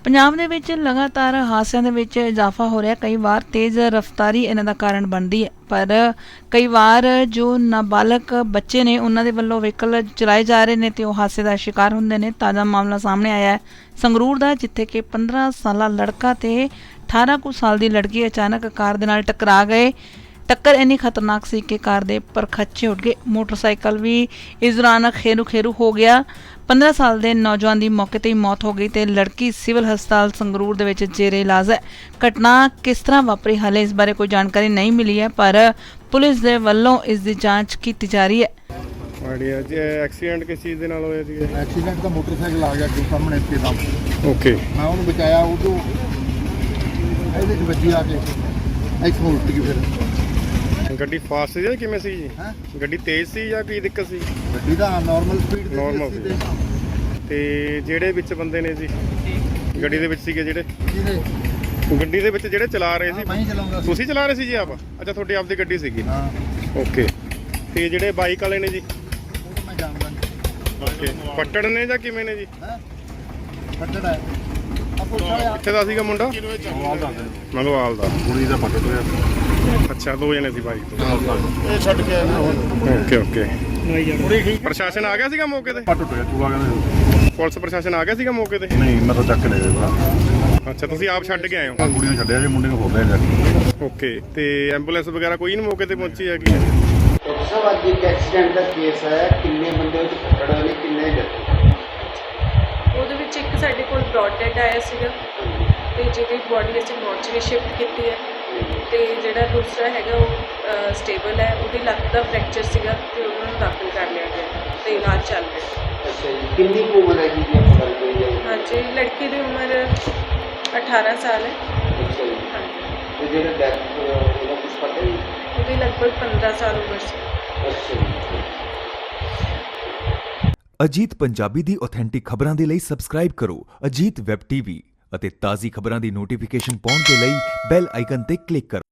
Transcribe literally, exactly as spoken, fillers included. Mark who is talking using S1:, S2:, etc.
S1: ਪੰਜਾਬ ਦੇ ਵਿੱਚ ਲਗਾਤਾਰ ਹਾਦਸਿਆਂ ਦੇ ਵਿੱਚ ਇਜ਼ਾਫਾ ਹੋ ਰਿਹਾ। ਕਈ ਵਾਰ ਤੇਜ਼ ਰਫ਼ਤਾਰੀ ਇਹਨਾਂ ਦਾ ਕਾਰਨ ਬਣਦੀ ਹੈ, ਪਰ ਕਈ ਵਾਰ ਜੋ ਨਾਬਾਲਗ ਬੱਚੇ ਨੇ ਉਹਨਾਂ ਦੇ ਵੱਲੋਂ ਵਹੀਕਲ ਚਲਾਏ ਜਾ ਰਹੇ ਨੇ ਤੇ ਉਹ ਹਾਦਸੇ ਦਾ ਸ਼ਿਕਾਰ ਹੁੰਦੇ ਨੇ। ਤਾਜ਼ਾ ਮਾਮਲਾ ਸਾਹਮਣੇ ਆਇਆ ਹੈ ਸੰਗਰੂਰ ਦਾ, ਜਿੱਥੇ ਕਿ ਪੰਦਰਾਂ ਸਾਲਾ ਲੜਕਾ ਤੇ ਅਠਾਰਾਂ ਕੁ ਸਾਲ ਦੀ ਲੜਕੀ ਅਚਾਨਕ ਕਾਰ ਦੇ ਨਾਲ ਟਕਰਾ ਗਏ। ਟੱਕਰ ਇੰਨੀ ਖਤਰਨਾਕ ਸੀ ਕਿ ਕਾਰ ਦੇ ਪਰਖੱਚੇ ਉੱਡ ਗਏ। ਮੋਟਰਸਾਈਕਲ ਵੀ ਇਸ ਦੌਰਾਨ ਖੇਰੂ ਖੇਰੂ ਹੋ ਗਿਆ। ਪੰਦਰਾਂ ਸਾਲ ਦੇ ਨੌਜਵਾਨ ਦੀ ਮੌਕੇ ਤੇ ਹੀ ਮੌਤ ਹੋ ਗਈ ਤੇ ਲੜਕੀ ਸਿਵਲ ਹਸਪਤਾਲ ਸੰਗਰੂਰ ਦੇ ਵਿੱਚ ਜੇਰੇ ਇਲਾਜ ਹੈ। ਘਟਨਾ ਕਿਸ ਤਰ੍ਹਾਂ ਵਾਪਰੀ ਹਾਲੇ ਇਸ ਬਾਰੇ ਕੋਈ ਜਾਣਕਾਰੀ ਨਹੀਂ ਮਿਲੀ ਹੈ, ਪਰ ਪੁਲਿਸ ਦੇ ਵੱਲੋਂ ਇਸ ਦੀ ਜਾਂਚ ਕੀਤੀ ਜਾ ਰਹੀ ਹੈ।
S2: ਆਈਡੀਆ ਜੀ ਐਕਸੀਡੈਂਟ ਕਿਸ ਚੀਜ਼ ਦੇ ਨਾਲ ਹੋਇਆ ਸੀ?
S3: ਐਕਸੀਡੈਂਟ ਦਾ ਮੋਟਰਸਾਈਕਲ ਆ ਗਿਆ ਅੱਗੇ ਸਾਹਮਣੇ ਇੱਥੇ ਦਾ।
S2: ਓਕੇ,
S3: ਮੈਂ ਉਹਨੂੰ ਬਚਾਇਆ, ਉਹ ਤੋਂ ਇਹਦੇ 'ਚ ਵੱਜੀ ਆ ਕੇ ਇੱਥੋਂ ਉਲਟ ਗਈ। ਫਿਰ
S2: ਗੱਡੀ ਫਾਸਟ ਸੀ ਜਾਂ ਕਿਵੇਂ ਸੀ ਜੀ?
S3: ਹੈਂ?
S2: ਗੱਡੀ ਤੇਜ਼ ਸੀ ਜਾਂ ਕੀ ਦਿੱਕਤ ਸੀ?
S3: ਗੱਡੀ ਦਾ ਨਾਰਮਲ ਸਪੀਡ ਤੇ
S2: Normal
S3: ਸੀ।
S2: ਸੀ। ਤੇ ਜਿਹੜੇ ਵਿੱਚ ਬੰਦੇ ਨੇ ਜੀ ਗੱਡੀ ਦੇ ਵਿੱਚ ਸੀਗੇ, ਜਿਹੜੇ
S3: ਕਿਹਦੇ
S2: ਗੱਡੀ ਦੇ ਵਿੱਚ ਜਿਹੜੇ ਚਲਾ ਰਹੇ ਸੀ,
S3: ਮੈਂ ਹੀ ਚਲਾਉਂਦਾ ਸੀ।
S2: ਤੁਸੀਂ ਚਲਾ ਰਹੇ ਸੀ ਜੀ ਆਪ? ਅੱਛਾ, ਤੁਹਾਡੀ ਆਪਦੀ ਗੱਡੀ ਸੀਗੀ।
S3: ਹਾਂ,
S2: ਓਕੇ। ਤੇ ਜਿਹੜੇ ਬਾਈਕ ਵਾਲੇ ਨੇ ਜੀ,
S3: ਉਹ ਤਾਂ ਮੈਂ ਜਾਣਦਾ ਨਹੀਂ।
S2: ਓਕੇ, ਪੱਟੜ ਨੇ ਜਾਂ ਕਿਵੇਂ ਨੇ ਜੀ?
S3: ਹੈ ਫੱਟੜ ਹੈ ਆ ਪੁੱਛਾ ਆ
S2: ਕਿੱਥੇ ਦਾ ਸੀਗਾ ਮੁੰਡਾ? ਮੰਗਵਾਲ ਦਾ।
S3: ਕੁੜੀ ਦਾ ਫੱਟੜ ਹੋਇਆ।
S2: ਅੱਛਾ, ਦੋ ਜਣੇ ਸੀ ਬਾਈਕ ਤੇ।
S3: ਇਹ ਛੱਡ ਕੇ ਆਇਆ ਹੁਣ।
S2: Okay okay.
S3: ਕੁੜੀ ਠੀਕ
S2: ਪ੍ਰਸ਼ਾਸਨ ਆ ਗਿਆ ਸੀਗਾ ਮੌਕੇ ਤੇ?
S3: ਫੱਟ ਟੁੱਟਿਆ ਚੂਹਾ ਕਹਿੰਦੇ।
S2: ਪੁਲਿਸ ਪ੍ਰਸ਼ਾਸਨ ਆ ਗਿਆ ਸੀਗਾ ਮੌਕੇ ਤੇ?
S3: ਨਹੀਂ, ਮੈਂ ਤਾਂ ਚੱਕ ਲੈ ਗਿਆ ਭਰਾ।
S2: ਅੱਛਾ, ਤੁਸੀਂ ਆਪ ਛੱਡ ਕੇ ਆਏ ਹੋ?
S3: ਕੁੜੀ ਨੂੰ ਛੱਡਿਆ ਜੇ ਮੁੰਡੇ ਨੂੰ ਹੋ ਲਿਆ ਜਾ।
S2: ਓਕੇ। ਤੇ ਐਂਬੂਲੈਂਸ ਵਗੈਰਾ ਕੋਈ ਨਹੀਂ ਮੌਕੇ ਤੇ ਪਹੁੰਚੀ ਹੈਗੀ?
S4: ਡਾਕਟਰ ਸਾਹਿਬ, ਅੱਜ ਇੱਕ ਐਕਸੀਡੈਂਟ ਦਾ ਕੇਸ ਆਇਆ। ਕਿੰਨੇ ਬੰਦੇ ਉਹ 'ਚ ਫੱਟੜ ਹੋਏ ਨੇ, ਕਿੰਨੇ ਜ਼ਖਮੀ?
S5: ਉਹਦੇ ਵਿੱਚ ਇੱਕ ਸਾਡੇ ਕੋਲ ਬ੍ਰੌਡ ਡੈਡ ਆਇਆ ਸੀਗਾ ਤੇ ਜਿਹਦੀ ਬੋਡੀ ਅਸੀਂ ਮੋਰਚਰੀ ਸ਼ਿਫਟ ਕੀਤੀ ਹੈ, ਤੇ ਜਿਹੜਾ ਦੂਸਰਾ ਹੈਗਾ ਉਹ ਸਟੇਬਲ ਹੈ। ਉਹਦੀ ਲੱਤ ਦਾ ਫ੍ਰੈਕਚਰ ਸੀਗਾ ਤੇ ਉਹਨਾਂ ਨੂੰ ਦਾਖਲ ਕਰ ਲਿਆ ਗਿਆ ਤੇ ਇਲਾਜ ਚੱਲ ਰਿਹਾ।
S4: ਅੱਛਾ ਜੀ, ਕਿੰਨੀ ਕੁ ਉਮਰ ਹੈ ਜੀ ਦੀ ਆਪਾਂ ਗੱਲ ਕਰੀਏ?
S5: ਹਾਂਜੀ, ਲੜਕੀ ਦੀ ਉਮਰ ਅਠਾਰਾਂ ਸਾਲ ਹੈ।
S4: ਅੱਛਾ ਜੀ।
S5: ਹਾਂਜੀ,
S4: ਤੇ ਜਿਹੜਾ ਡੈਥ ਉਹਦਾ ਕੁਝ ਪਤਾ ਨਹੀਂ?
S5: ਉਹਦੀ ਲਗਭਗ ਪੰਦਰਾਂ ਸਾਲ ਉਮਰ ਸੀ।
S4: ਅੱਛਾ ਜੀ।
S6: ਅਜੀਤ ਪੰਜਾਬੀ ਦੀ ਆਥੈਂਟਿਕ ਖਬਰਾਂ ਦੇ ਲਈ ਸਬਸਕ੍ਰਾਈਬ ਕਰੋ ਅਜੀਤ ਵੈਬ ਟੀਵੀ ਅਤੇ ਤਾਜ਼ੀ ਖਬਰਾਂ ਦੀ ਨੋਟੀਫਿਕੇਸ਼ਨ ਪਾਉਣ ਦੇ ਲਈ ਬੈਲ ਆਈਕਨ ਤੇ ਕਲਿੱਕ ਕਰੋ।